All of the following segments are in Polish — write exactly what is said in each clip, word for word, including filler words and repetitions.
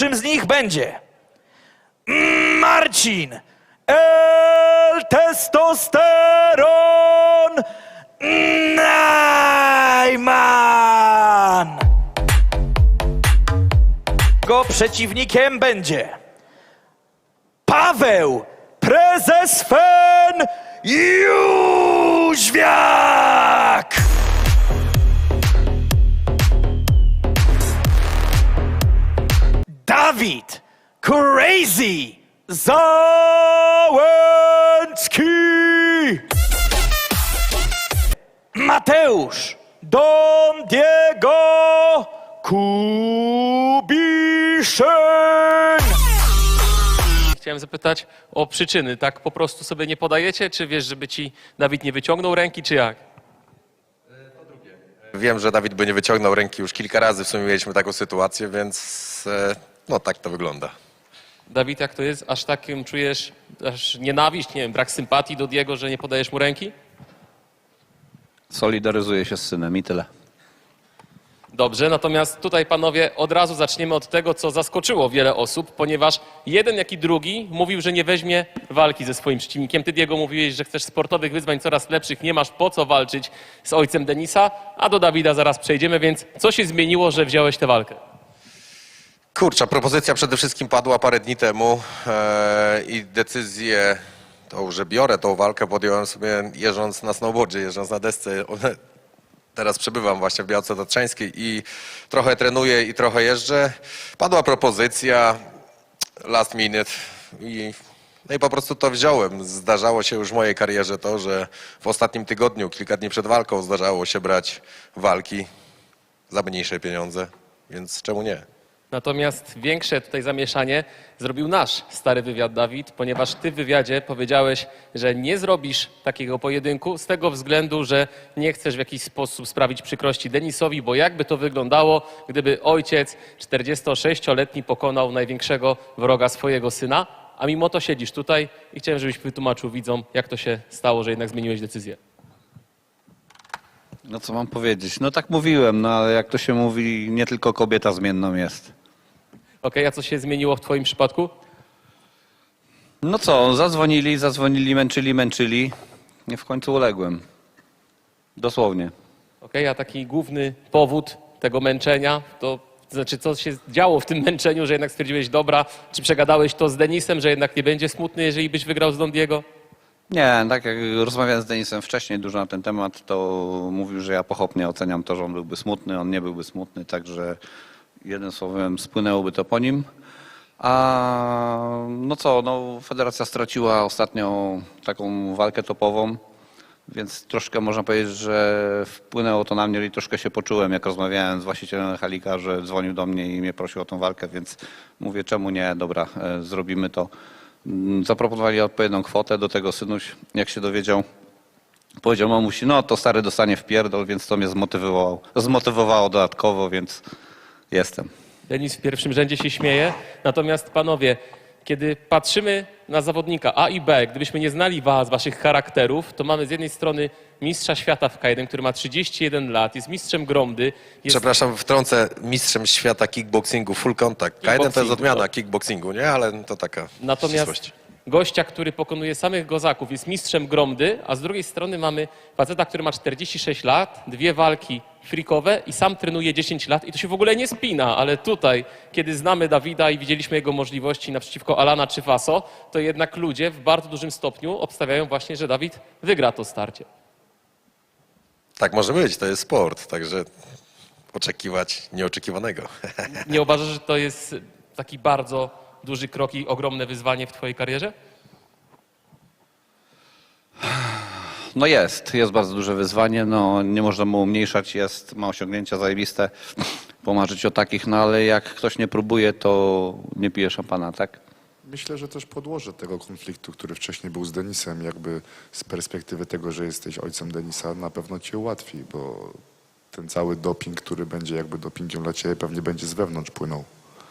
Pierwszym z nich będzie Marcin El Testosteron Najman. Jego przeciwnikiem będzie Paweł Prezes Fen Jóźwiak. Dawid Crazy Załęcki. Mateusz Don Diego Kubiszyn. Chciałem zapytać o przyczyny. Tak po prostu sobie nie podajecie? Czy wiesz, żeby ci Dawid nie wyciągnął ręki, czy jak? Wiem, że Dawid by nie wyciągnął ręki już kilka razy, w sumie mieliśmy taką sytuację, więc e, no tak to wygląda. Dawid, jak to jest? Aż takim czujesz aż nienawiść, nie wiem, brak sympatii do Diego, że nie podajesz mu ręki? Solidaryzuję się z synem i tyle. Dobrze, natomiast tutaj, panowie, od razu zaczniemy od tego, co zaskoczyło wiele osób, ponieważ jeden, jak i drugi mówił, że nie weźmie walki ze swoim przeciwnikiem. Ty, Diego, mówiłeś, że chcesz sportowych wyzwań coraz lepszych, nie masz po co walczyć z ojcem Denisa, a do Dawida zaraz przejdziemy, więc co się zmieniło, że wziąłeś tę walkę? Kurczę, propozycja przede wszystkim padła parę dni temu e, i decyzję, to, że biorę tą walkę, podjąłem sobie jeżdżąc na snowboardzie, jeżdżąc na desce. Teraz przebywam właśnie w Białce Tatrzańskiej i trochę trenuję i trochę jeżdżę. Padła propozycja, last minute i, no i po prostu to wziąłem. Zdarzało się już w mojej karierze to, że w ostatnim tygodniu, kilka dni przed walką zdarzało się brać walki za mniejsze pieniądze, więc czemu nie? Natomiast większe tutaj zamieszanie zrobił nasz stary wywiad, Dawid, ponieważ ty w wywiadzie powiedziałeś, że nie zrobisz takiego pojedynku z tego względu, że nie chcesz w jakiś sposób sprawić przykrości Denisowi, bo jakby to wyglądało, gdyby ojciec czterdziestosześcioletni pokonał największego wroga swojego syna, a mimo to siedzisz tutaj i chciałem, żebyś wytłumaczył widzom, jak to się stało, że jednak zmieniłeś decyzję. No co mam powiedzieć? No tak mówiłem, no ale jak to się mówi, nie tylko kobieta zmienną jest. Okej, a co się zmieniło w twoim przypadku? No co, zadzwonili, zadzwonili, męczyli, męczyli. Nie w końcu uległem. Dosłownie. Okej, a taki główny powód tego męczenia, to znaczy co się działo w tym męczeniu, że jednak stwierdziłeś, dobra, czy przegadałeś to z Denisem, że jednak nie będzie smutny, jeżeli byś wygrał z Don Diego? Nie, tak jak rozmawiałem z Denisem wcześniej dużo na ten temat, to mówił, że ja pochopnie oceniam to, że on byłby smutny, on nie byłby smutny, także jednym słowem spłynęłoby to po nim. A no co, no federacja straciła ostatnio taką walkę topową, więc troszkę można powiedzieć, że wpłynęło to na mnie i troszkę się poczułem, jak rozmawiałem z właścicielem Halika, że dzwonił do mnie i mnie prosił o tą walkę, więc mówię, czemu nie, dobra, e, zrobimy to. Zaproponowali odpowiednią kwotę, do tego synuś, jak się dowiedział, powiedział mamusi, no to stary dostanie w pierdol, więc to mnie zmotywowało, zmotywowało dodatkowo, więc jestem. Denis w pierwszym rzędzie się śmieje, natomiast panowie, kiedy patrzymy na zawodnika A i B, gdybyśmy nie znali was, waszych charakterów, to mamy z jednej strony mistrza świata w K jeden, który ma trzydzieści jeden lat, jest mistrzem Gromdy. Jest... Przepraszam, wtrącę, mistrzem świata kickboxingu, full contact. K jeden to jest odmiana kickboxingu, nie? Ale to taka Natomiast ścisłość. gościa, który pokonuje samych gozaków, jest mistrzem Gromdy, a z drugiej strony mamy faceta, który ma czterdzieści sześć lat, dwie walki freakowe i sam trenuje dziesięć lat i to się w ogóle nie spina, ale tutaj, kiedy znamy Dawida i widzieliśmy jego możliwości naprzeciwko Alana czy Faso, to jednak ludzie w bardzo dużym stopniu obstawiają właśnie, że Dawid wygra to starcie. Tak może być, to jest sport, także oczekiwać nieoczekiwanego. Nie uważasz, że to jest taki bardzo duży krok i ogromne wyzwanie w twojej karierze? No jest, jest bardzo duże wyzwanie, no nie można mu umniejszać, jest, ma osiągnięcia zajebiste, pomarzyć o takich, no ale jak ktoś nie próbuje, to nie pije szampana, tak? Myślę, że też podłoże tego konfliktu, który wcześniej był z Denisem, jakby z perspektywy tego, że jesteś ojcem Denisa, na pewno ci ułatwi, bo ten cały doping, który będzie jakby dopingiem dla ciebie, pewnie będzie z wewnątrz płynął.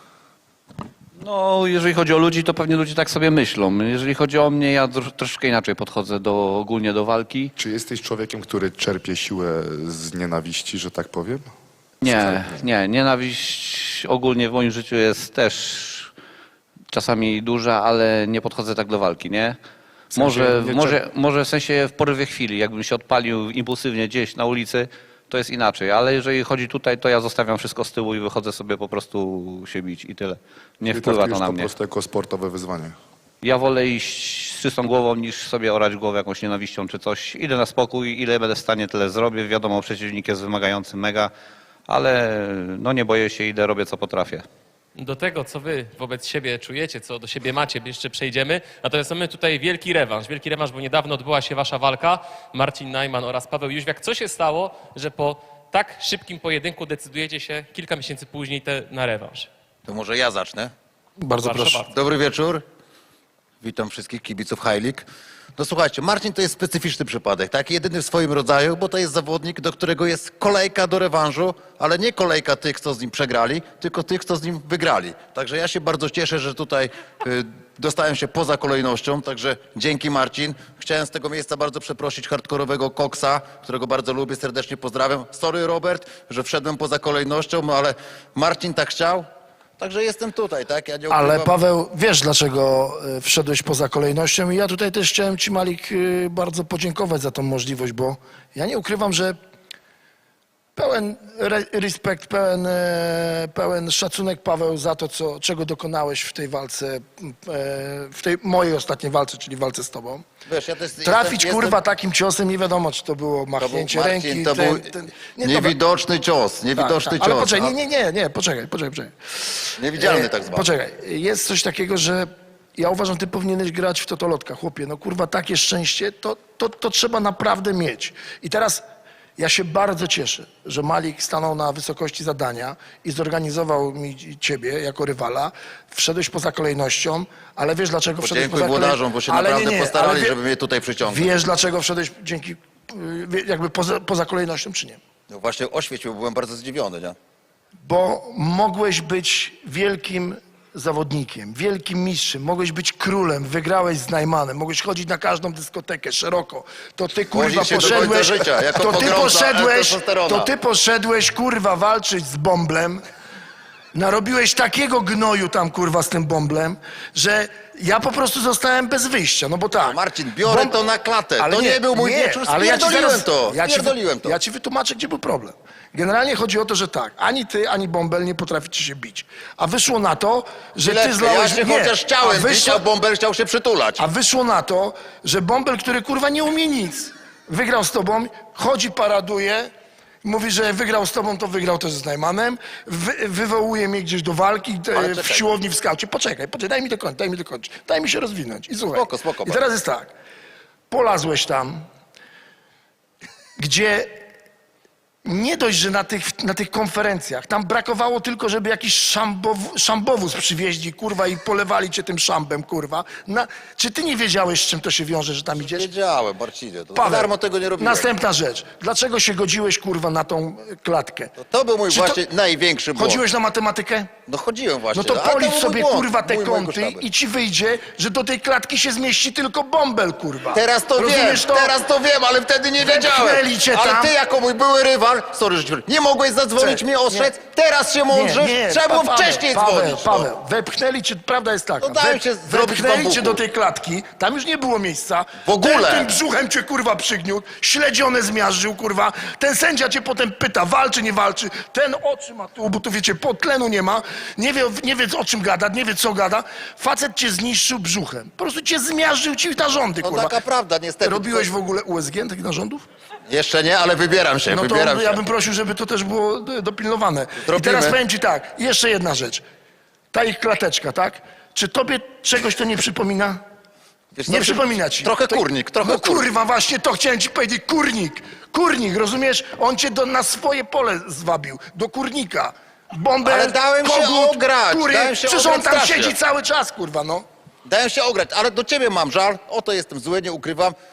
No, jeżeli chodzi o ludzi, to pewnie ludzie tak sobie myślą. Jeżeli chodzi o mnie, ja troszeczkę inaczej podchodzę do, ogólnie do walki. Czy jesteś człowiekiem, który czerpie siłę z nienawiści, że tak powiem? Nie, nie. Nienawiść ogólnie w moim życiu jest też czasami duża, ale nie podchodzę tak do walki, nie? Może, nie- może, może w sensie w porywie chwili, jakbym się odpalił impulsywnie gdzieś na ulicy, to jest inaczej, ale jeżeli chodzi tutaj, to ja zostawiam wszystko z tyłu i wychodzę sobie po prostu się bić i tyle. Nie I wpływa traktujesz to na po mnie. prostu jako sportowe wyzwanie. Ja wolę iść z czystą głową, niż sobie orać głowę jakąś nienawiścią czy coś. Idę na spokój, ile będę w stanie, tyle zrobię. Wiadomo, przeciwnik jest wymagający mega, ale no nie boję się, idę, robię co potrafię. Do tego, co wy wobec siebie czujecie, co do siebie macie, jeszcze przejdziemy. Natomiast mamy tutaj wielki rewanż. Wielki rewanż, bo niedawno odbyła się wasza walka. Marcin Najman oraz Paweł Jóźwiak. Co się stało, że po tak szybkim pojedynku decydujecie się kilka miesięcy później te, na rewanż? To może ja zacznę. Bardzo Proszę proszę. bardzo. Dobry wieczór. Witam wszystkich kibiców High League. No słuchajcie, Marcin to jest specyficzny przypadek, tak? Jedyny w swoim rodzaju, bo to jest zawodnik, do którego jest kolejka do rewanżu, ale nie kolejka tych, co z nim przegrali, tylko tych, co z nim wygrali. Także ja się bardzo cieszę, że tutaj y, dostałem się poza kolejnością, także dzięki Marcin. Chciałem z tego miejsca bardzo przeprosić hardkorowego Koksa, którego bardzo lubię, serdecznie pozdrawiam. Sorry Robert, że wszedłem poza kolejnością, no ale Marcin tak chciał. Także jestem tutaj, tak? Ja nie Ale ukrywam. Paweł, wiesz dlaczego y, wszedłeś poza kolejnością i ja tutaj też chciałem ci, Malik, y, bardzo podziękować za tą możliwość, bo ja nie ukrywam, że pełen re respekt, pełen, e, pełen szacunek, Paweł, za to, co, czego dokonałeś w tej walce, e, w tej mojej ostatniej walce, czyli walce z tobą. Wiesz, ja też Trafić, jestem, kurwa, jestem, takim ciosem, nie wiadomo, czy to było to był, machnięcie Marcin, ręki. to ten- był ten- nie, dobra. niewidoczny cios, niewidoczny Tak, tak. Ale cios. poczekaj, a- nie, nie, nie, nie, poczekaj, poczekaj, poczekaj. Niewidzialny E, tak zwany. Poczekaj, jest coś takiego, że ja uważam, ty powinieneś grać w totolotka, chłopie. No kurwa, takie szczęście, to, to, to trzeba naprawdę mieć. I teraz ja się bardzo cieszę, że Malik stanął na wysokości zadania i zorganizował mi ciebie jako rywala. Wszedłeś poza kolejnością, ale wiesz dlaczego wszedłeś Podziękuj poza kolejnością? włodarzom, bo się Ale naprawdę nie, nie, postarali, ale wie- żeby mnie tutaj przyciągnąć. Wiesz dlaczego wszedłeś dzięki, y, wie- jakby poza, poza kolejnością, czy nie? No właśnie oświecił, byłem bardzo zdziwiony, nie? Bo mogłeś być wielkim zawodnikiem, wielkim mistrzem, mogłeś być królem, wygrałeś z Najmanem, mogłeś chodzić na każdą dyskotekę szeroko. To ty kurwa Wozić się do końca poszedłeś, życia, jako to ty pogromca poszedłeś, testosterona. to ty poszedłeś kurwa walczyć z Bąblem. Narobiłeś takiego gnoju tam kurwa z tym Bąblem, że ja po prostu zostałem bez wyjścia, no bo tak. Marcin, biorę Bąb- to na klatę. Ale To nie był mój wieczór, ale ja ci spierdoliłem zaraz- to, Ja ci, spierdoliłem to. Ja ci wytłumaczę, gdzie był problem. Generalnie chodzi o to, że tak, ani ty, ani Bąbel nie potraficie się bić. A wyszło na to, że ty Chwileczkę, zlałeś... ja się nie, chociaż chciałem a bić, wyszło, a Bąbel chciał się przytulać. a wyszło na to, że Bąbel, który kurwa nie umie nic, wygrał z tobą, chodzi, paraduje, mówi, że wygrał z tobą, to wygrał też z Najmanem, wy, wywołuje mnie gdzieś do walki e, Ale w czekaj. siłowni w skaucie. Poczekaj, poczekaj, daj mi dokończyć, daj mi dokończyć, daj mi się rozwinąć. I słuchaj, Spoko, spoko, i bardzo. teraz jest tak, polazłeś tam, gdzie nie dość, że na tych, na tych konferencjach, tam brakowało tylko, żeby jakiś szambow, szambowóz przywieźli, kurwa, i polewali cię tym szambem, kurwa. Na, czy ty nie wiedziałeś, z czym to się wiąże, że tam idziesz? Wiedziałem, Marcinie, to Paweł, za darmo tego nie robiłem. następna rzecz. Dlaczego się godziłeś, kurwa, na tą e, klatkę? To był mój Czy to- właśnie największy błąd. Chodziłeś na matematykę? No chodziłem właśnie. No to ale policz był sobie, mój błąd, kurwa, te mój mojego kąty sztabu. i ci wyjdzie, że do tej klatki się zmieści tylko Bąbel, kurwa. Teraz to wiem, Rozumiesz to? teraz to wiem, ale wtedy nie wiedziałem. Wepchnęli cię Ale tam. ty jako mój były rywal, sorry, że ci powiem, nie mogłeś zadzwonić Cze- mnie ostrzec, teraz się mądrzysz, trzeba było Pa- wcześniej Paweł, dzwonić. no. Paweł, wepchnęli cię, prawda jest taka, No dałem wep- się zrobić wepchnęli bambuku. cię do tej klatki, tam już nie było miejsca. W ogóle. Ten, tym brzuchem cię, kurwa, przygniótł, śledzione zmiażdżył, kurwa. Ten sędzia cię potem pyta, walczy, nie walczy. Ten oczy ma tu, bo tu wiecie, podtlenu nie ma. Nie wie, nie wie o czym gada, nie wie co gada. Facet cię zniszczył brzuchem. Po prostu cię zmiażdżył ci narządy, No kurwa. taka prawda, niestety. Robiłeś To- w ogóle U S G takich narządów? Jeszcze nie, ale wybieram się, No to wybieram się. ja bym prosił, żeby to też było e, dopilnowane. I Zrobimy. teraz powiem ci tak, jeszcze jedna rzecz. Ta ich klateczka, tak? Czy tobie czegoś to nie przypomina? Wiesz Nie co, przypomina ci. Trochę To- kurnik, trochę No kurnik. kurwa, właśnie to chciałem ci powiedzieć, kurnik. Kurnik, rozumiesz? On cię do, na swoje pole zwabił, do kurnika. Bombę, Ale dałem się kogut, ograć, kury. dałem się Przecież on ograć tam strasznie. siedzi cały czas, kurwa, no. Dałem się ograć, ale do ciebie mam żal, o to jestem zły, nie ukrywam.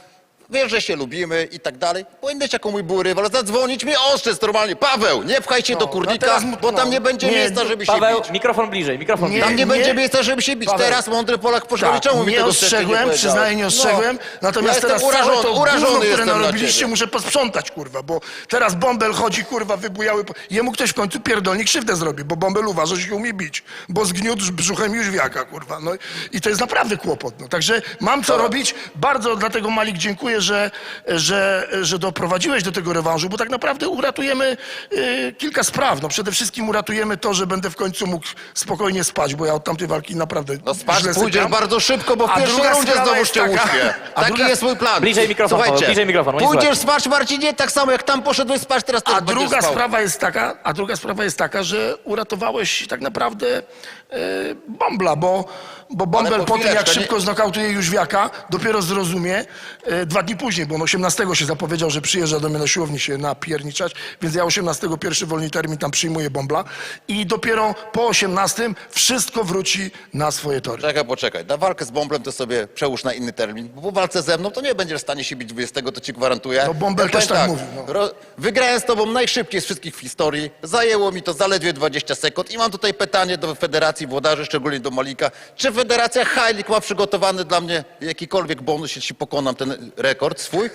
wiesz, że się lubimy i tak dalej. Powinieneś jako mój był rywal zadzwonić mi ostrzec normalnie. Paweł, nie pchaj się do no kurnika, teraz mu- bo tam no, nie będzie nie, miejsca, żeby się Paweł, bić. mikrofon bliżej, mikrofon Nie, bliżej. Tam nie, nie. będzie miejsca, żeby się bić. Paweł. Teraz mądry Polak poszedł, Tak, czemu mi nie tego wcześniej nie ostrzegłem, powiedziałeś? przyznaję, nie ostrzegłem. No. Natomiast Ja teraz jestem całe urażony, to urażony gówno, które jestem na narobiliście, ciebie. muszę posprzątać, kurwa, bo teraz Bąbel chodzi, kurwa, wybujały. po- Jemu ktoś w końcu pierdolnie krzywdę zrobi, bo Bąbel uważa, że się umie bić, bo zgniótł brzuchem Jóźwiaka, kurwa. No i to jest naprawdę kłopot. No. Także mam co robić. Bardzo dlatego, Malik, dziękuję, że, że, że doprowadziłeś do tego rewanżu, bo tak naprawdę uratujemy y, kilka spraw. No przede wszystkim uratujemy to, że będę w końcu mógł spokojnie spać, bo ja od tamtej walki naprawdę No spać źle pójdziesz sypiam. bardzo szybko, bo w A pierwszej druga rundzie sprawa znowu jest cię taka- uśpię. a Taki druga- jest mój plan. Bliżej mikrofon, Słuchajcie, Paweł, bliżej mikrofon, nie pójdziesz słychać. spać, Marcinie, tak samo jak tam poszedłeś spać, teraz też A będziesz druga spał. sprawa jest taka, a druga sprawa jest taka, że uratowałeś tak naprawdę e, Bąbla, bo, bo Bąbel po po tym, jak chwileczkę, nie- szybko znokautuje Jóźwiaka, dopiero zrozumie e, dwa dni później, bo on osiemnastego się zapowiedział, że przyjeżdża do mnie na siłowni się napierniczać, więc ja osiemnastego pierwszy wolny termin tam przyjmuję Bąbla i dopiero po osiemnastym wszystko wróci na swoje tory. Czekaj, poczekaj. Na walkę z Bąblem to sobie przełóż na inny termin, bo po walce ze mną to nie będziesz w stanie się bić dwudziestego, to ci gwarantuję. No, Bąbel Ja też powiem tak mówił, no. Ro- wygrałem z tobą najszybciej z wszystkich w historii. Zajęło mi to zaledwie dwadzieścia sekund i mam tutaj pytanie do Federacji Włodarzy, szczególnie do Malika. Czy Federacja Hajlik ma przygotowany dla mnie jakikolwiek bonus, jeśli pokonam ten rekord swój?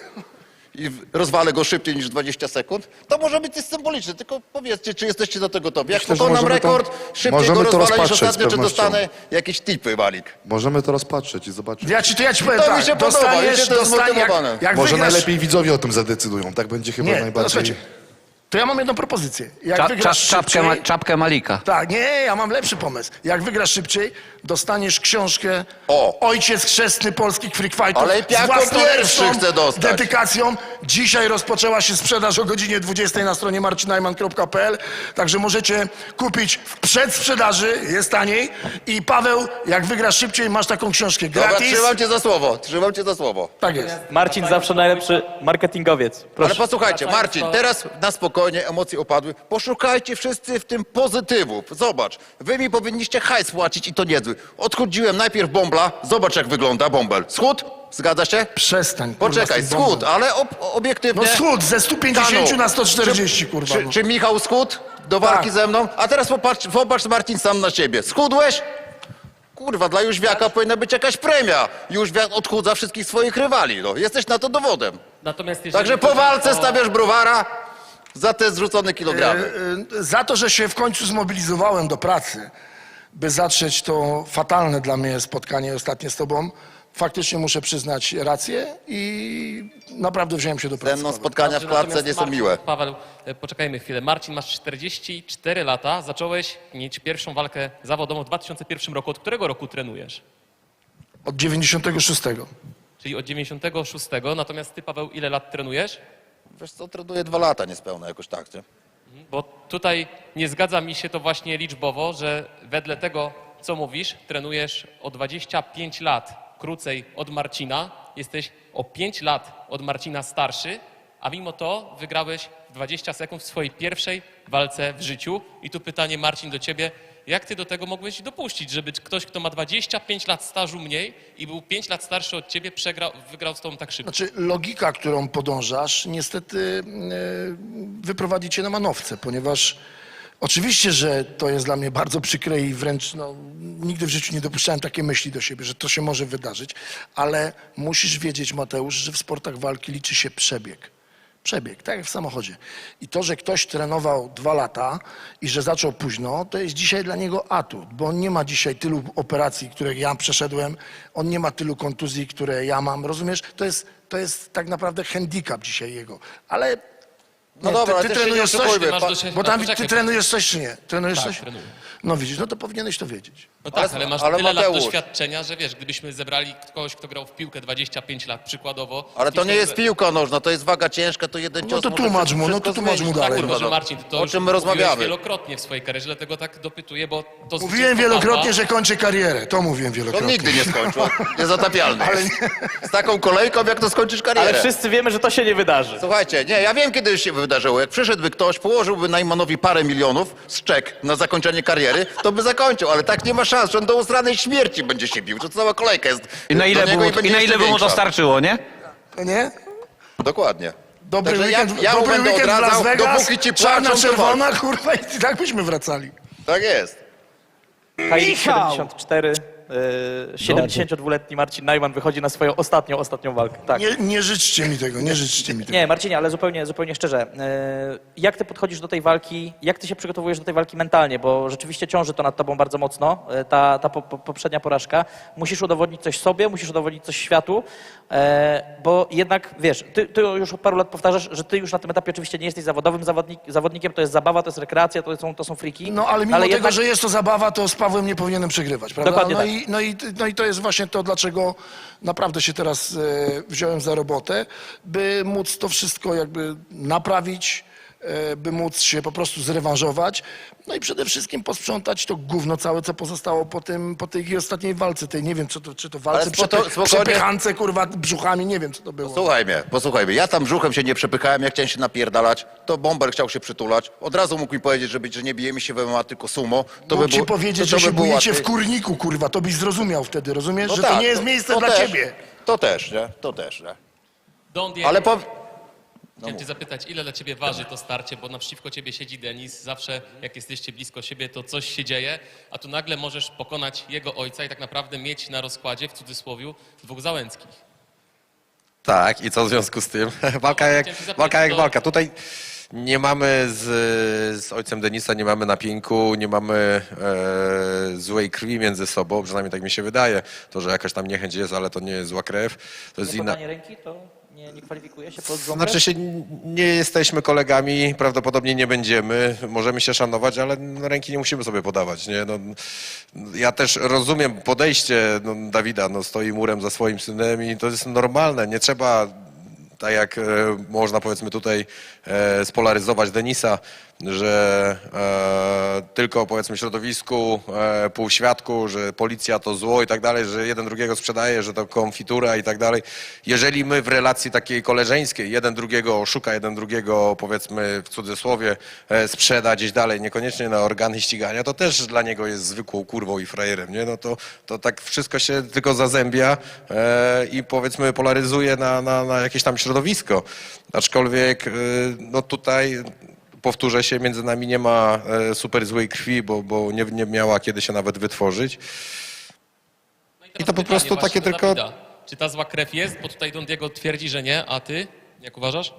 I w- rozwalę go szybciej niż dwadzieścia sekund, to może być coś symboliczne. Tylko powiedzcie, czy jesteście do tego gotowi. Jak Myślę, że pokonam możemy to- rekord, szybciej możemy go to rozwalę niż rozpatrzeć z ostatnio, czy pewnością. dostanę jakieś tipy, Malik? Możemy to rozpatrzeć i zobaczyć. Ja ci, to ja ci powiem to tak, mi się podoba, dostaniesz, wiecie, to jest dostanie, jak, zmotywowane. jak Może wygrasz... najlepiej widzowie o tym zadecydują. Tak będzie chyba Nie, to najbardziej... słuchajcie, to ja mam jedną propozycję. Jak Cza, cza, wygrasz czapkę, szybciej... ma, czapkę Malika. Tak, nie, ja mam lepszy pomysł. Jak wygrasz szybciej, dostaniesz książkę O. Ojciec Chrzestny Polskich Freak Fightów Ale z jako własnoręczną pierwszy chcę dostać. dedykacją. Dzisiaj rozpoczęła się sprzedaż o godzinie dwudziestej na stronie marcinajman kropka p l, także możecie kupić w przedsprzedaży, jest taniej. I Paweł, jak wygrasz szybciej, masz taką książkę Dobra, gratis. trzymam cię za słowo, trzymam cię za słowo. Tak jest. Marcin zawsze najlepszy marketingowiec. Ale Proszę. posłuchajcie, Marcin, teraz na spokojnie, emocje opadły. Poszukajcie wszyscy w tym pozytywów. Zobacz, wy mi powinniście hajs płacić i to niezły. Odchudziłem najpierw Bąbla, zobacz jak wygląda Bąbel. Schód? Zgadza się? Przestań. kurwa, Poczekaj, z tym bombem. schód, ale ob obiektywnie... No schód, ze stu pięćdziesięciu Kanu. na sto czterdzieści, Czy- kurwa. Czy, no. czy Michał schód do walki Tak. ze mną? A teraz popatrz, popatrz Marcin sam na siebie. Schudłeś? Kurwa, dla Jóźwiaka powinna być jakaś premia. Jóźwiak odchudza wszystkich swoich rywali. No. Jesteś na to dowodem. Natomiast jeżeli Także po chodzi walce o- stawiasz browara za te zrzucone kilogramy. E, e, Za to, że się w końcu zmobilizowałem do pracy, by zatrzeć to fatalne dla mnie spotkanie ostatnie z tobą, faktycznie muszę przyznać rację i naprawdę wziąłem się do pracy. Ze mną spotkania w Dobrze, klatce natomiast nie są Marcin, miłe. Paweł, e, poczekajmy chwilę. Marcin, masz czterdzieści cztery lata, zacząłeś mieć pierwszą walkę zawodową w dwa tysiące pierwszym roku. Od którego roku trenujesz? Od dziewięćdziesiątego szóstego. Czyli od dziewięćdziesiątego szóstego. Natomiast ty, Paweł, ile lat trenujesz? Wiesz co, trenuję dwa lata niespełna jakoś tak, nie? Bo tutaj nie zgadza mi się to właśnie liczbowo, że wedle tego, co mówisz, trenujesz o dwadzieścia pięć lat krócej od Marcina, jesteś o pięć lat od Marcina starszy, a mimo to wygrałeś w dwadzieścia sekund w swojej pierwszej walce w życiu. I tu pytanie, Marcin, do ciebie. Jak ty do tego mogłeś dopuścić, żeby ktoś, kto ma dwadzieścia pięć lat stażu mniej i był pięć lat starszy od ciebie, przegrał, wygrał z tobą tak szybko? Znaczy, logika, którą podążasz, niestety e, wyprowadzi cię na manowce, ponieważ oczywiście, że to jest dla mnie bardzo przykre i wręcz no, nigdy w życiu nie dopuszczałem takiej myśli do siebie, że to się może wydarzyć, ale musisz wiedzieć, Mateusz, że w sportach walki liczy się przebieg. Przebieg, tak jak w samochodzie. I to, że ktoś trenował dwa lata i że zaczął późno, to jest dzisiaj dla niego atut, bo on nie ma dzisiaj tylu operacji, które ja przeszedłem, on nie ma tylu kontuzji, które ja mam, rozumiesz? To jest, to jest tak naprawdę handicap dzisiaj jego. Ale No nie, dobra, ty, ale ty też się trenujesz nie coś? oszukujmy. Masz Pa- dość- Bo tam no, ty poczekaj, trenujesz coś czy nie? Trenujesz Tak, coś? trenuję. No widzisz, no to powinieneś to wiedzieć. No tak, Ale- ale masz ale tyle lat Mateusz- doświadczenia, że wiesz, gdybyśmy zebrali kogoś, kto grał w piłkę dwadzieścia pięć lat przykładowo... Ale to i nie kto- jest piłka nożna, to jest waga ciężka, to jeden No cios to może tłumacz mu, no wszystko to tłumacz mu zmienić. dalej. Tak, Kurwa, może no. Marcin, ty to O już czym my mówiłeś rozmawiamy? wielokrotnie w swojej karierze, dlatego tak dopytuję, bo to Mówiłem zwycięstwo wielokrotnie, padła. że kończę karierę. To mówiłem To wielokrotnie. nigdy nie skończył, niezatapialny. Z taką kolejką, jak to skończysz karierę. Ale wszyscy wiemy, że to się nie wydarzy. Słuchajcie, nie, ja wiem, kiedy się wydarzyło. Jak przyszedłby ktoś, położyłby Najmanowi parę milionów z czek na zakończenie kariery, to by zakończył, ale tak nie ma szans, że on do usranej śmierci będzie się bił, że cała kolejka jest I na ile, do by niego mu, i będzie i na jeszcze ile by mu to większa. starczyło, nie? Nie? Dokładnie. Dobry Także weekend, ja, ja mu dobry będę weekend w Las odradzał, Vegas, dopóki ci czarna, płaczą, to czerwona, kurwa, i tak byśmy wracali. Tak jest. Heilig siedemdziesiąt cztery, e, siedemdziesięciodwuletni Marcin Najman wychodzi na swoją ostatnią, ostatnią walkę. Tak. Nie, nie życzcie mi tego, nie życzcie mi tego. Nie, Marcinie, ale zupełnie, zupełnie szczerze. e, Jak ty podchodzisz do tej walki, jak ty się przygotowujesz do tej walki mentalnie, bo rzeczywiście ciąży to nad tobą bardzo mocno, e, ta, ta po, po, poprzednia porażka. Musisz udowodnić coś sobie, musisz udowodnić coś światu, e, bo jednak, wiesz, ty, ty już od paru lat powtarzasz, że ty już na tym etapie oczywiście nie jesteś zawodowym zawodnik, zawodnikiem, to jest zabawa, to jest rekreacja, to są, to są friki. No ale mimo tego, jednak... że jest to zabawa, to z Pawłem nie powinienem przegrywać, prawda? Dokładnie no, tak. i, no, i, no i to jest właśnie to, dlaczego naprawdę się teraz e, wziąłem za robotę, by móc to wszystko jakby naprawić, e, by móc się po prostu zrewanżować, no i przede wszystkim posprzątać to gówno całe, co pozostało po, tym, po tej ostatniej walce, tej nie wiem, co to, czy to walce, Ale spoko- przepy, spokojnie. przepychance, kurwa, brzuchami, nie wiem, co to było. Słuchaj mnie, posłuchaj mnie. Ja tam brzuchem się nie przepychałem, ja chciałem się napierdalać, to Bomber chciał się przytulać. Od razu mógł mi powiedzieć, że, być, że nie bijemy się w M M A, tylko sumo. To Mógł by ci było, powiedzieć, to, to że się by było bujecie łatwiej. w kurniku, kurwa, to byś zrozumiał wtedy, rozumiesz? No że tak, to nie jest miejsce to dla też, ciebie. To też, nie? To też, nie? Don Diego, Ale po... chciałem cię zapytać, ile dla ciebie waży to starcie, bo naprzeciwko ciebie siedzi Denis, zawsze jak jesteście blisko siebie, to coś się dzieje, a tu nagle możesz pokonać jego ojca i tak naprawdę mieć na rozkładzie, w cudzysłowie, dwóch Załęckich. Tak, i co w związku z tym? Walka jak, chciałem się zapytać, walka jak to- walka. Tutaj nie mamy z, z ojcem Denisa, nie mamy napięku, nie mamy e, złej krwi między sobą, przynajmniej tak mi się wydaje. To, że jakaś tam niechęć jest, ale to nie jest zła krew. To jest Nie inna... podanie ręki to nie, nie kwalifikuje się pod złą Znaczy krew? się, nie jesteśmy kolegami, prawdopodobnie nie będziemy, możemy się szanować, ale no, ręki nie musimy sobie podawać. Nie? No, ja też rozumiem podejście no, Dawida, no, stoi murem za swoim synem i to jest normalne, nie trzeba tak jak e, można powiedzmy tutaj e, spolaryzować Denisa, że e, tylko powiedzmy środowisku, e, półświadku, że policja to zło i tak dalej, że jeden drugiego sprzedaje, że to konfitura i tak dalej. Jeżeli my w relacji takiej koleżeńskiej jeden drugiego oszuka, jeden drugiego powiedzmy w cudzysłowie e, sprzeda gdzieś dalej, niekoniecznie na organy ścigania, to też dla niego jest zwykłą kurwą i frajerem, nie? No to, to tak wszystko się tylko zazębia e, i powiedzmy polaryzuje na, na, na jakieś tam środowisko. Aczkolwiek e, no tutaj powtórzę się, między nami nie ma e, super złej krwi, bo, bo nie, nie miała kiedy się nawet wytworzyć. No teraz I to po pytanie prostu właśnie takie do tylko- Dawida. Czy ta zła krew jest? Bo tutaj Don Diego twierdzi, że nie, a ty? Jak uważasz?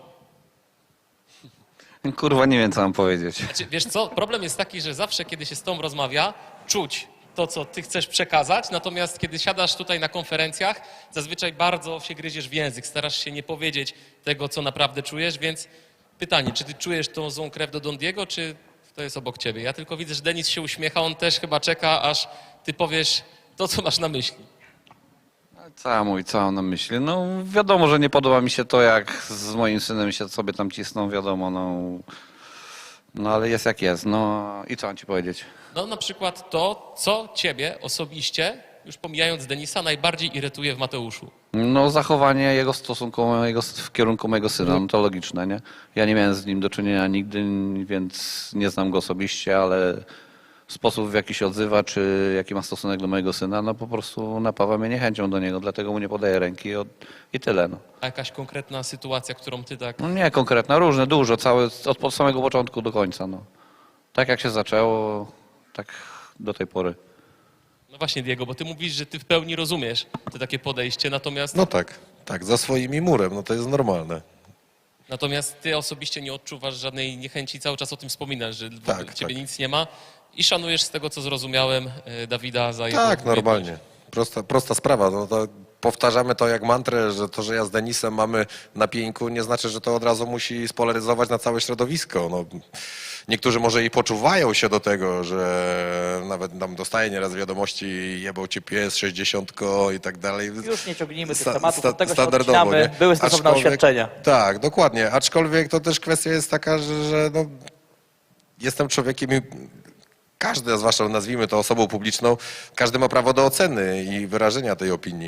Kurwa, nie wiem, co mam powiedzieć. Znaczy, wiesz co, problem jest taki, że zawsze, kiedy się z tobą rozmawia, czuć to, co ty chcesz przekazać, natomiast kiedy siadasz tutaj na konferencjach, zazwyczaj bardzo się gryziesz w język, starasz się nie powiedzieć tego, co naprawdę czujesz, więc pytanie, czy ty czujesz tą złą krew do Don Diego, czy to jest obok ciebie? Ja tylko widzę, że Denis się uśmiecha, on też chyba czeka, aż ty powiesz to, co masz na myśli. Co mój, co mam na myśli? No wiadomo, że nie podoba mi się to, jak z moim synem się sobie tam cisną, wiadomo, no. No ale jest jak jest, no i co mam ci powiedzieć? No na przykład to, co ciebie osobiście, już pomijając Denisa, najbardziej irytuje w Mateuszu. No zachowanie jego w stosunku mojego, w kierunku mojego syna, no to logiczne, nie? Ja nie miałem z nim do czynienia nigdy, więc nie znam go osobiście, ale sposób, w jaki się odzywa, czy jaki ma stosunek do mojego syna, no po prostu napawa mnie niechęcią do niego, dlatego mu nie podaję ręki od, i tyle, no. A jakaś konkretna sytuacja, którą ty tak... No nie konkretna, różne, dużo, całe, od, od samego początku do końca, no. Tak jak się zaczęło, tak do tej pory. No właśnie, Diego, bo ty mówisz, że ty w pełni rozumiesz to takie podejście, natomiast, No tak, tak, za swoimi murem, no to jest normalne. natomiast ty osobiście nie odczuwasz żadnej niechęci, cały czas o tym wspominasz, że w Tak, ogóle ciebie tak. nic nie ma i szanujesz z tego, co zrozumiałem, e, Dawida za jego Tak, umiejętność. normalnie. Prosta, prosta sprawa. No to powtarzamy to jak mantrę, że to, że ja z Denisem mamy na pieńku, nie znaczy, że to od razu musi spolaryzować na całe środowisko. No, niektórzy może i poczuwają się do tego, że nawet tam dostaje nieraz wiadomości, jebał cię pies, sześćdziesiątko i tak dalej. Już nie ciągnijmy tych Sta- tematów, sta- od tego się standardowo, odcinamy. nie? Były stosowne Aczkolwiek- oświadczenia. Tak, dokładnie. Aczkolwiek to też kwestia jest taka, że, że no, jestem człowiekiem i każdy, a zwłaszcza nazwijmy to osobą publiczną, każdy ma prawo do oceny i wyrażenia tej opinii.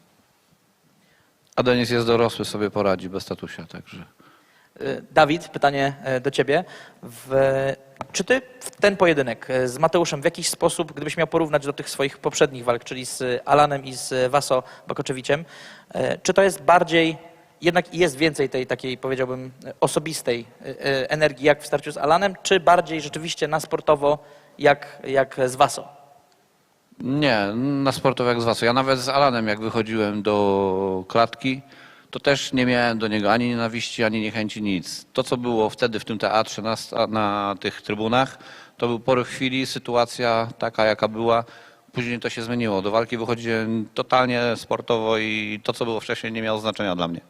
A Denis jest dorosły, sobie poradzi bez statusia, także... Y, Dawid, pytanie e, do ciebie. W, czy ty w ten pojedynek e, z Mateuszem w jakiś sposób, gdybyś miał porównać do tych swoich poprzednich walk, czyli z Alanem i z Vaso Bakoczewiciem, e, czy to jest bardziej jednak jest więcej tej takiej, powiedziałbym, osobistej e, e, energii, jak w starciu z Alanem, czy bardziej rzeczywiście na sportowo, jak, jak z Waso? Nie, na sportowo jak z was. Ja nawet z Alanem, jak wychodziłem do klatki, to też nie miałem do niego ani nienawiści, ani niechęci, nic. To, co było wtedy w tym teatrze, na, sta- na tych trybunach, to był pory chwili, sytuacja taka, jaka była. Później to się zmieniło. Do walki wychodziłem totalnie sportowo i to, co było wcześniej, nie miało znaczenia dla mnie.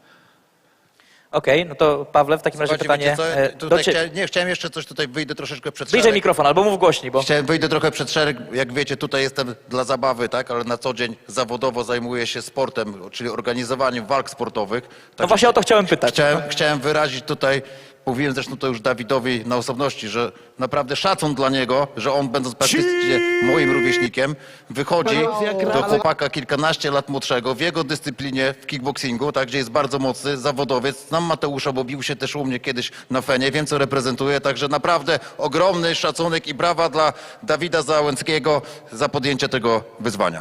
Okej, no to Pawle, w takim razie Słuchajcie, pytanie wiecie co? e, Tutaj do ciebie. chciałem, nie, chciałem jeszcze coś, tutaj wyjdę troszeczkę przed Bliżej szereg. mikrofon, albo mów głośniej, bo... Chciałem, wyjdę trochę przed szereg. Jak wiecie, tutaj jestem dla zabawy, tak, ale na co dzień zawodowo zajmuję się sportem, czyli organizowaniem walk sportowych. No Także właśnie o to chciałem pytać. Chciałem, chciałem wyrazić tutaj, mówiłem zresztą to już Dawidowi na osobności, że naprawdę szacun dla niego, że on będąc praktycznie moim rówieśnikiem, wychodzi do chłopaka kilkanaście lat młodszego w jego dyscyplinie w kickboxingu, tak, gdzie jest bardzo mocny zawodowiec. Znam Mateusza, bo bił się też u mnie kiedyś na Fenie, wiem co reprezentuje, także naprawdę ogromny szacunek i brawa dla Dawida Załęckiego za podjęcie tego wyzwania.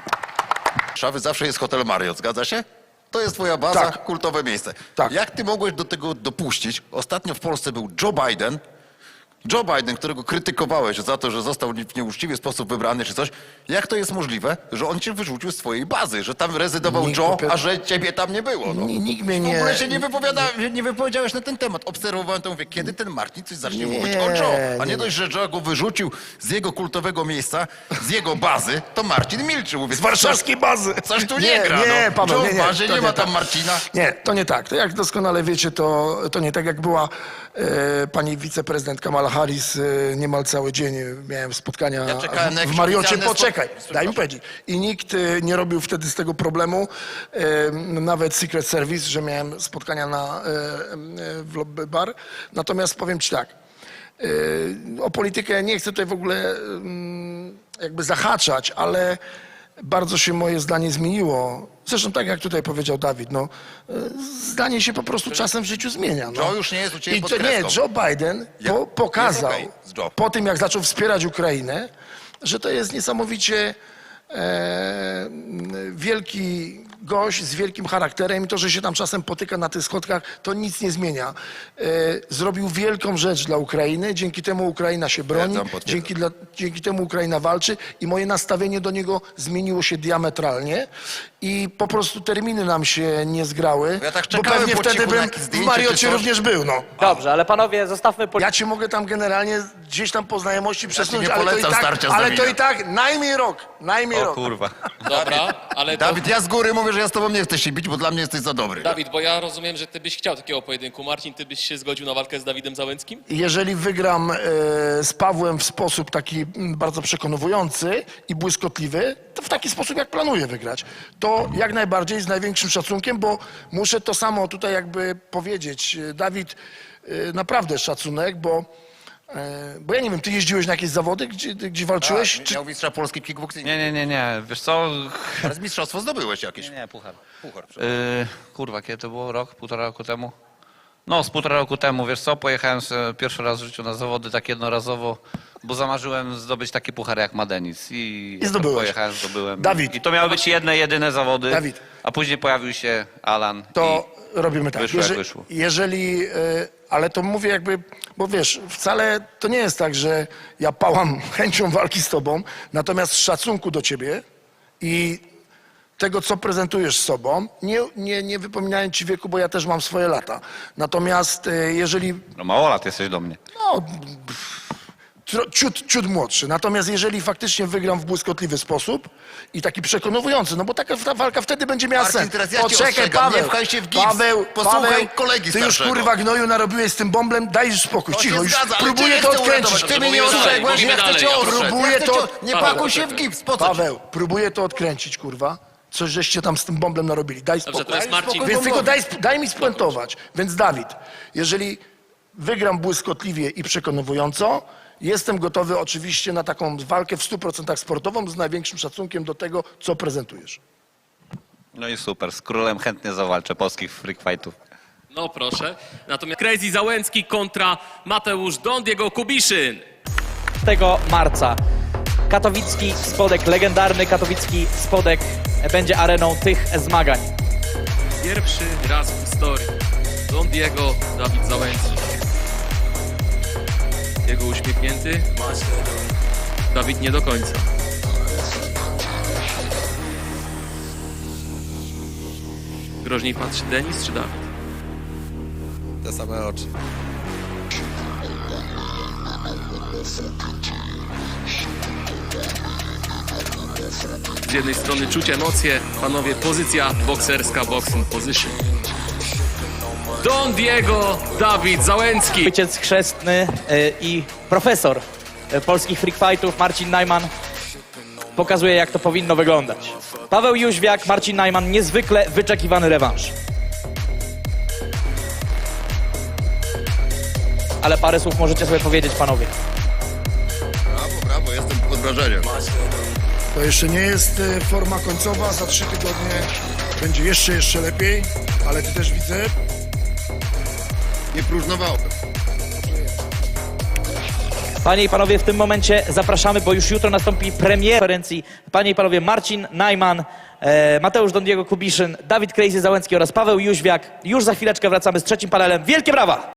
Warszawy zawsze jest hotel Marriott, zgadza się? To jest twoja baza, Tak. kultowe miejsce. Tak. Jak ty mogłeś do tego dopuścić? Ostatnio w Polsce był Joe Biden. Joe Biden, którego krytykowałeś za to, że został w nieuczciwy sposób wybrany czy coś. Jak to jest możliwe, że on cię wyrzucił z swojej bazy, że tam rezydował Nikt Joe, popie- a że ciebie tam nie było? No. Ni- nikt mnie W nie- ogóle się nie, wypowiada, nie wypowiedziałeś na ten temat. Obserwowałem to, mówię, kiedy ten Marcin coś zacznie Nie, mówić o Joe. A nie nie. dość, że Joe go wyrzucił z jego kultowego miejsca, z jego bazy, to Marcin milczy. Mówię, Z warszawskiej bazy. Coś tu nie, gra. Nie, no. Paweł, Joe nie, w nie. bazie, to nie ma tam tak. Marcina. Nie, to nie tak. To jak doskonale wiecie, to, to nie tak jak była e, pani wiceprezydent Kamala Harris e, niemal cały dzień. e, Miałem spotkania Ja czekałem na w, w jakieś Mariocie. oficjalne Poczekaj, spo- daj mi powiedzieć. I nikt e, nie robił wtedy z tego problemu. E, nawet Secret Service, że miałem spotkania na, e, e, w lobby bar. Natomiast powiem ci tak. e, O politykę nie chcę tutaj w ogóle mm, jakby zahaczać, ale bardzo się moje zdanie zmieniło. Zresztą tak jak tutaj powiedział Dawid, no, e, zdanie się po prostu czasem w życiu zmienia. No. Joe już nie jest u ciebie I pod to nie, kreską. Joe Biden Ja- po, jest pokazał okej z Joe. po tym, jak zaczął wspierać Ukrainę, że to jest niesamowicie e, wielki gość z wielkim charakterem i to, że się tam czasem potyka na tych schodkach, to nic nie zmienia. E, zrobił wielką rzecz dla Ukrainy, dzięki temu Ukraina się broni, Potwierdzam, potwierdzam. dzięki, dla, dzięki temu Ukraina walczy i moje nastawienie do niego zmieniło się diametralnie i po prostu terminy nam się nie zgrały, Ja tak bo czekałem pewnie po wtedy cichu na bym jakieś w zdjęcie czy Mariocie coś. również był, no. Dobrze, ale panowie, zostawmy politykę. Ja ci mogę tam generalnie gdzieś tam po znajomości przesunąć, nie ale, to i, polecam tak, starcia z ale to Dawidem. i tak najmniej rok, najmniej rok. Kurwa. Dobra, ale to... Dawid, ja z góry mówię, że ja z tobą nie chcę się bić, bo dla mnie jesteś za dobry. Dawid, bo ja rozumiem, że ty byś chciał takiego pojedynku. Marcin, ty byś się zgodził na walkę z Dawidem Załęckim? Jeżeli wygram e, z Pawłem w sposób taki mm, bardzo przekonujący i błyskotliwy, to w taki sposób, jak planuję wygrać, to jak najbardziej z największym szacunkiem, bo muszę to samo tutaj jakby powiedzieć. E, Dawid, e, naprawdę szacunek, bo, e, bo ja nie wiem, ty jeździłeś na jakieś zawody, gdzie, gdzie walczyłeś? A, Czy, miał mistrza Polski w kickboxingu. Nie, nie, nie, nie. Wiesz co? Teraz mistrzostwo zdobyłeś jakieś. Nie, puchar. Puchar. Yy, kurwa, kiedy to było? Rok, półtora roku temu? No, z półtora roku temu, wiesz co, pojechałem sobie pierwszy raz w życiu na zawody tak jednorazowo, bo zamarzyłem zdobyć taki puchar jak ma Denis. I, I zdobyłeś. Pojechałem, zdobyłem. Dawid. I to miały być jedne, jedyne zawody. Dawid. A później pojawił się Alan. to robimy tak. wyszło, jak Jeże- wyszło. Jeżeli, e, ale to mówię jakby, bo wiesz, wcale to nie jest tak, że ja pałam chęcią walki z tobą, natomiast z szacunku do ciebie i tego, co prezentujesz z sobą, nie, nie, nie wypominając ci wieku, bo ja też mam swoje lata. Natomiast e, jeżeli I, no mało lat jesteś do mnie. no, tro- ciut, ciut młodszy. Natomiast jeżeli faktycznie wygram w błyskotliwy sposób i taki przekonujący, no bo taka ta walka wtedy będzie miała Marcin, sens. teraz ja cię Poczekaj, ostrzegam, Paweł, nie pchaj się w gips. Paweł, Posłuchaj Paweł, kolegi ty już starszego. kurwa gnoju narobiłeś z tym bąblem, daj już spokój, To się cicho, już zgadza, ale próbuję cię to chcę odkręcić. uratować. Ty Dobrze, mnie nie mówimy dalej, ostrzegłeś, ja mówimy chcę dalej, cię ja ostrzec. proszę. Próbuję Ja chcę to- cię- Nie Paweł, pakuj się w proszę. gips, po co ci? Paweł, próbuję to odkręcić, kurwa. Coś żeście tam z tym bąblem narobili. Daj spokój. Dobrze, teraz Marcin. Więc tylko daj, sp- daj mi spuentować. Więc Dawid, jeżeli wygram błyskotliwie i przekonująco, jestem gotowy oczywiście na taką walkę w stu procentach sportową z największym szacunkiem do tego, co prezentujesz. No i super, z królem chętnie zawalczę polskich freak fightów. No proszę. Natomiast Crazy Załęcki kontra Mateusz Don Diego Kubiszyn. tego marca. Katowicki Spodek, legendarny katowicki Spodek będzie areną tych zmagań. Pierwszy raz w historii. Don Diego, Dawid Załęcki. Jego uśmiechnięty. Dawid nie do końca. Groźniej patrzy Denis czy Dawid? Te same oczy. Z jednej strony czuć emocje, panowie, pozycja bokserska, boxing position. Don Diego, Dawid Załęcki. Ojciec chrzestny y, i profesor y, polskich freak fightów Marcin Najman pokazuje, jak to powinno wyglądać. Paweł Jóźwiak, Marcin Najman, niezwykle wyczekiwany rewanż. Ale parę słów możecie sobie powiedzieć, panowie. Brawo, brawo, jestem pod wrażeniem. To jeszcze nie jest e, forma końcowa, za trzy tygodnie będzie jeszcze, jeszcze lepiej, ale ty też widzę, Nie próżnowałem. Panie i panowie, w tym momencie zapraszamy, bo już jutro nastąpi premiera konferencji. Panie i panowie, Marcin Najman, e, Mateusz Don Diego Kubiszyn, Dawid Crazy Załęcki oraz Paweł Jóźwiak. Już za chwileczkę wracamy z trzecim panelem. Wielkie brawa!